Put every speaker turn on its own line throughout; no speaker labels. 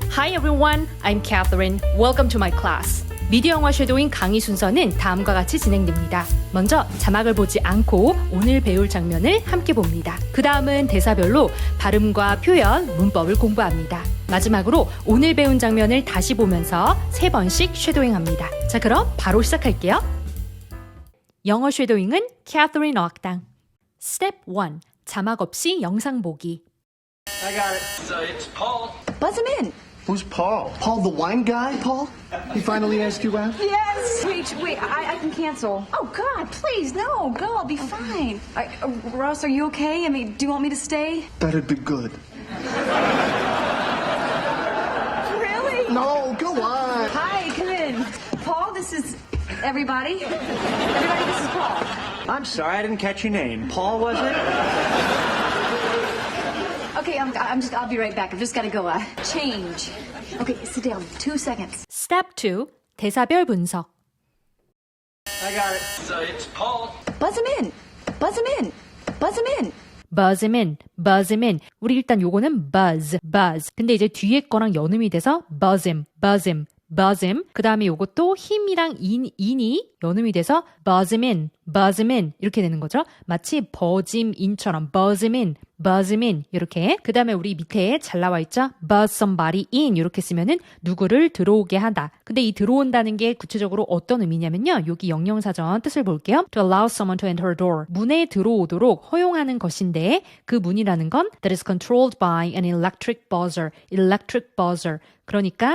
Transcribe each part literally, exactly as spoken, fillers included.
Hi everyone, I'm Catherine. Welcome to my class. 미디어 영화 쉐도잉 강의 순서는 다음과 같이 진행됩니다. 먼저 자막을 보지 않고 오늘 배울 장면을 함께 봅니다. 그 다음은 대사별로 발음과 표현, 문법을 공부합니다. 마지막으로 오늘 배운 장면을 다시 보면서 세 번씩 쉐도잉합니다. 자, 그럼 바로 시작할게요. 영어 쉐도잉은 캐서린 어학당. Step one. 자막 없이 영상 보기.
I got it. So it's Paul.
Buzz him in.
Who's Paul? Paul the wine guy, Paul? He finally asked you out?
Yes. Wait, wait. I, I can cancel. Oh God, please, no. Go. I'll be fine. I, uh, Ross, are you okay? I mean, do you want me to stay?
That'd be good.
Really?
No, go on.
Hi, come in. Paul, this is everybody. Everybody, this is Paul.
I'm sorry, I didn't catch your name. Paul, was it?
Okay, I'm, I'm just. I'll be right back. I've just got to go. Uh, change. Okay, sit down. Two seconds.
Step two. 대사별 분석.
I got it. So it's Paul.
Buzz him in. Buzz him in. Buzz him in.
buzz him in, buzz him in. 우리 일단 요거는 buzz, buzz. 근데 이제 뒤에 거랑 연음이 돼서 buzz him, buzz him, buzz him. 그 다음에 요것도 힘이랑 인, 인이 연음이 돼서 buzz him in, buzz him in. 이렇게 되는 거죠. 마치 버짐 인처럼 buzz him in, buzz him in. 이렇게. 그 다음에 우리 밑에 잘 나와 있죠. buzz somebody in. 이렇게 쓰면은 누구를 들어오게 하다. 근데 이 들어온다는 게 구체적으로 어떤 의미냐면요. 여기 영영사전 뜻을 볼게요. To allow someone to enter a door. 문에 들어오도록 허용하는 것인데 그 문이라는 건 that is controlled by an electric buzzer. electric buzzer. 그러니까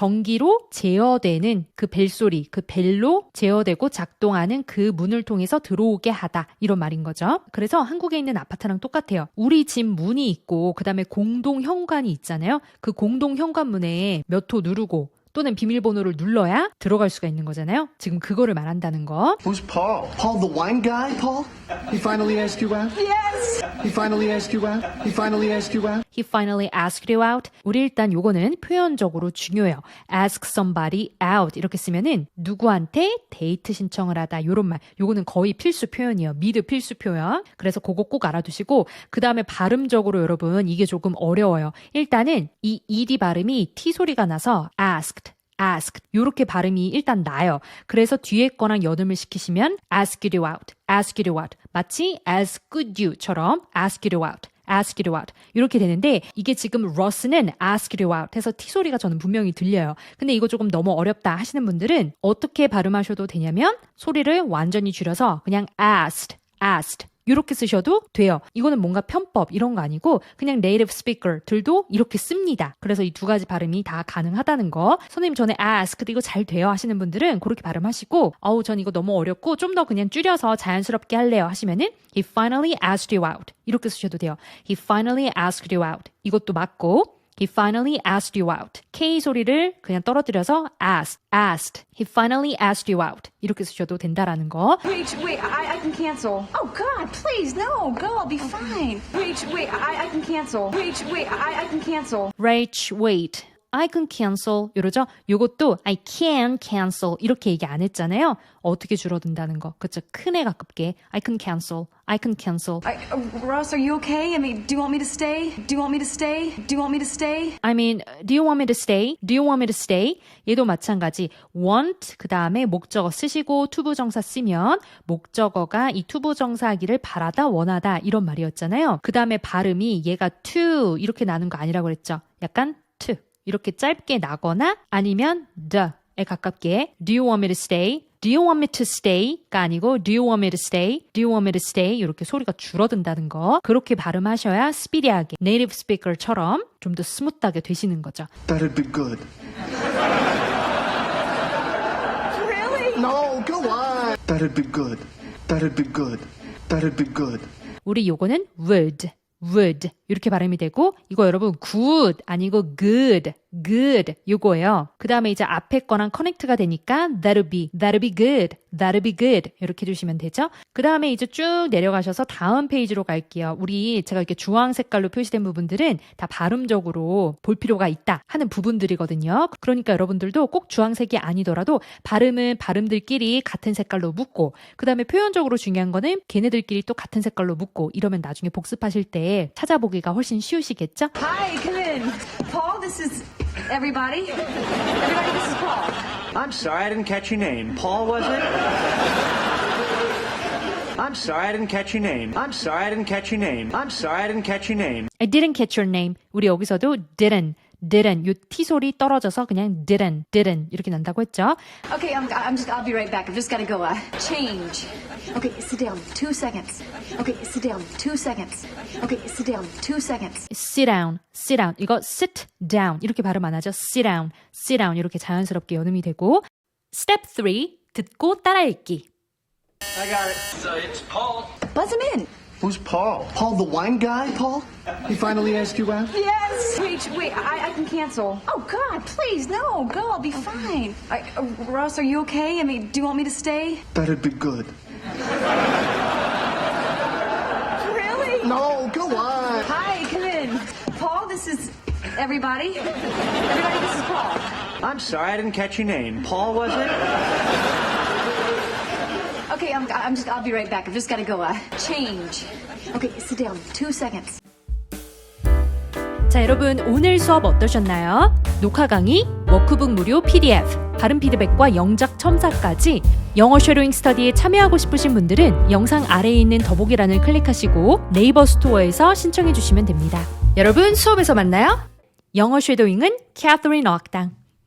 전기로 제어되는 그 벨소리, 그 벨로 제어되고 작동하는 그 문을 통해서 들어오게 하다. 이런 말인 거죠. 그래서 한국에 있는 아파트랑 똑같아요. 우리 집 문이 있고 그 다음에 공동 현관이 있잖아요. 그 공동 현관문에 몇 호 누르고 또는 비밀번호를 눌러야 들어갈 수가 있는 거잖아요. 지금 그거를 말한다는 거.
Who's Paul? Paul the wine guy, Paul? He finally asked you out?
Yes.
He finally asked you out? He finally asked you out?
He finally asked you out. 우리 일단 요거는 표현적으로 중요해요. ask somebody out 이렇게 쓰면은 누구한테 데이트 신청을 하다 요런 말. 요거는 거의 필수 표현이에요. 미드 필수 표현. 그래서 그거 꼭 알아두시고 그 다음에 발음적으로 여러분 이게 조금 어려워요. 일단은 이 ed 발음이 t 소리가 나서 asked asked 요렇게 발음이 일단 나요. 그래서 뒤에 거랑 연음을 시키시면 asked you out, asked you out 마치 asked you처럼 asked you out, asked you out 이렇게 되는데 이게 지금 러스는 asked you out 해서 T 소리가 저는 분명히 들려요. 근데 이거 조금 너무 어렵다 하시는 분들은 어떻게 발음하셔도 되냐면 소리를 완전히 줄여서 그냥 asked, asked 이렇게 쓰셔도 돼요. 이거는 뭔가 편법 이런 거 아니고 그냥 네이티브 스피커들도 이렇게 씁니다. 그래서 이 두 가지 발음이 다 가능하다는 거. 선생님 전에 asked 이거 잘 돼요 하시는 분들은 그렇게 발음하시고 어우 전 이거 너무 어렵고 좀 더 그냥 줄여서 자연스럽게 할래요 하시면은 He finally asked you out 이렇게 쓰셔도 돼요. He finally asked you out 이것도 맞고 He finally asked you out. K 소리를 그냥 떨어뜨려서 asked, asked. He finally asked you out. 이렇게 쓰셔도 된다라는 거.
Wait, wait. I, I can cancel. Oh God, please, no. Go. I'll be fine. Wait, wait. I, I can cancel. Wait, wait. I, I can cancel.
Rach, wait. I can cancel. 이러죠? 요것도 I can cancel. 이렇게 얘기 안 했잖아요. 어떻게 줄어든다는 거. 그쵸? 큰애 가깝게. I can cancel. I can cancel.
I, uh, Ross, are you okay? I mean, do you want me to stay? Do you want me to stay? Do you want me to stay?
I mean, do you want me to stay? Do you want me to stay? 얘도 마찬가지. want 그 다음에 목적어 쓰시고 투부정사 쓰면 목적어가 이 투부정사하기를 바라다 원하다 이런 말이었잖아요. 그 다음에 발음이 얘가 to 이렇게 나는 거 아니라고 그랬죠. 약간 to 이렇게 짧게 나거나 아니면 the에 가깝게 Do you want me to stay? Do you want me to stay?가 아니고 Do you want me to stay? Do you want me to stay? 이렇게 소리가 줄어든다는 거. 그렇게 발음하셔야 스피디하게 네이티브 스피커처럼 좀 더 스무트하게 되시는 거죠.
That'd be good.
Really?
No, go on. That'd be good. That'd be good. That'd be good.
우리 요거는 would, would 이렇게 발음이 되고 이거 여러분 good 아니고 good, good 요거예요. 그 다음에 이제 앞에 거랑 커넥트가 되니까 that'll be, that'll be good, that'll be good 이렇게 해주시면 되죠. 그 다음에 이제 쭉 내려가셔서 다음 페이지로 갈게요. 우리 제가 이렇게 주황 색깔로 표시된 부분들은 다 발음적으로 볼 필요가 있다 하는 부분들이거든요. 그러니까 여러분들도 꼭 주황색이 아니더라도 발음은 발음들끼리 같은 색깔로 묶고 그 다음에 표현적으로 중요한 거는 걔네들끼리 또 같은 색깔로 묶고 이러면 나중에 복습하실 때 찾아보기가 훨씬 쉬우시겠죠?
Hi, come in. Paul, this is Everybody? Everybody, this is Paul.
I'm sorry, I didn't catch your name. Paul, was it? I'm sorry, I didn't catch your name. I'm sorry, I didn't catch your name. I'm sorry, I didn't catch your name.
I didn't catch your name. 우리 여기서도 didn't, didn't 요 T 소리 떨어져서 그냥 didn't, didn't 이렇게 난다고 했죠.
Okay, I'm, I'm just, I'll be right back. I've just gotta go, uh, change. Okay, sit down. Two seconds. Okay, sit down. Two seconds. Okay, sit down. Two seconds.
sit down, sit down. 이거 sit down 이렇게 발음 안 하죠. sit down, sit down 이렇게 자연스럽게 연음이 되고 step three, 듣고 따라 읽기.
I got it. So it's Paul.
Buzz him in.
Who's Paul? Paul the wine guy, Paul? He finally asked you out?
Yes. Wait, wait, I, I can cancel. Oh, God, please, no, go, I'll be fine. I, uh, Ross, are you okay? I mean, do you want me to stay?
That'd be good.
Really?
No, go on.
Hi, come in. Paul, this is everybody. Everybody, this is Paul.
I'm sorry, I didn't catch your name. Paul, was it?
Okay, I'm, I'm just, I'll be right back. I've just gotta go, uh, change. Okay, sit down. Two seconds.
자, 여러분 오늘 수업 어떠셨나요? 녹화 강의, 워크북 무료 피디에프, 발음 피드백과 영작 첨삭까지 영어 쉐도잉 스터디에 참여하고 싶으신 분들은 영상 아래에 있는 더보기란을 클릭하시고 네이버 스토어에서 신청해 주시면 됩니다. 여러분 수업에서 만나요. 영어 쉐도잉은 캐서린 어학당.